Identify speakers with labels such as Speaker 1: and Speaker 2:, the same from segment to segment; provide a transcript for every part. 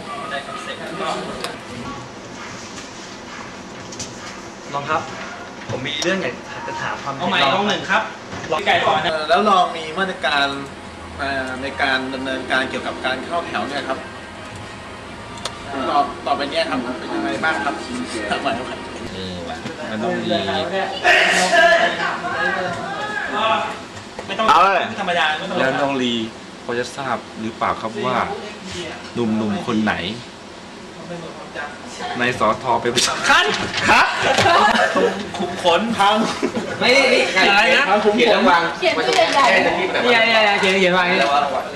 Speaker 1: ได้คอนเซ็ปต์ก็
Speaker 2: ลองครับผมมีเรื่องอยากจะถามความ
Speaker 1: เอาใหม่ลองหนึ่งครับไก่ก่อนนะ
Speaker 3: แล้วลองมีมาตรการในการดำเนินการเกี่ยวกับการเข้าแถวเนี่ยครับต่อไปเนี้ยครับเป็นยังไงบ้างครับทำไมครับ
Speaker 4: มันต้องมี
Speaker 1: ไม่ต้อง
Speaker 4: เอาเลย
Speaker 1: ไม่ธรรมดาไม่ต้อง
Speaker 4: แล้วน้องลีพอจะทราบหรือเปล่าครับว่าหนุ่มๆคนไหน ในสอทอเป็นประชาชนครับ
Speaker 1: ขุมขน
Speaker 3: ทาง
Speaker 2: ไม่นี่อะไรนะ
Speaker 3: ทางคุ้มผล
Speaker 5: เขียนชื่อใหญ่ๆ
Speaker 2: เนี่ยเขียนวางนี่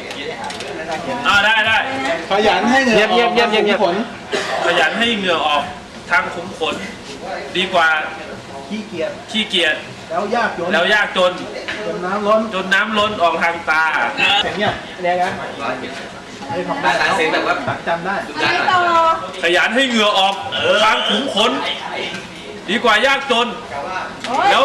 Speaker 1: ได้
Speaker 3: ขยันให้เงินออกทางคุ้มผล
Speaker 1: ขยันให้เหงื่อออกทางขุมขนดีกว่า
Speaker 3: ขี้เกียจ
Speaker 1: ขี้เกียจ
Speaker 3: แล้วยากจน
Speaker 1: แล้วยากจน
Speaker 3: จนน้ำล้น
Speaker 1: จนน้ำล้นออกทางตา
Speaker 3: เสียงเนี่ยเนี่ยนะไอ้ของได้เสียงแบบว่าจำได้
Speaker 5: ไม่ต่อ
Speaker 1: ขยันให้เหงื่อออกทางขุมขนดีกว่ายากจนแล้ว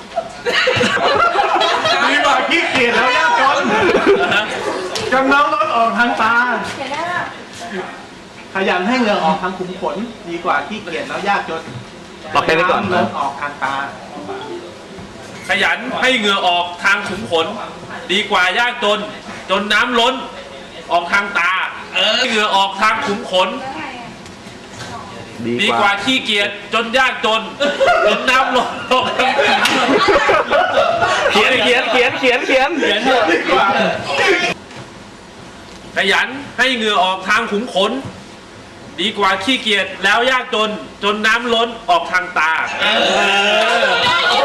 Speaker 3: ดีกว่าขี้เกียจแล้วยากจนจนน้ำล้นออกทางตา
Speaker 5: เขียนได้ป่ะ
Speaker 3: ขยันให้เหงื่อออกทางขุมขนดีกว่าขี้เกียจแล้วยากจน
Speaker 2: ลองแค่นี้ก่อน
Speaker 3: ล้นออกทางตา
Speaker 1: ขยันให้เหงื่อออกทางขุมขนดีกว่ายากจนจนน้ำล้นออกทางตาเหงื่อออกทางขุมขนดีกว่าขี้เกียจจนยากจนจนน้ำล้นออกทางตา
Speaker 2: เขียน
Speaker 1: ดีกว่าขยันให้เหงื่อออกทางขุมขนดีกว่าขี้เกียจแล้วยากจนจนน้ำล้นออกทางตา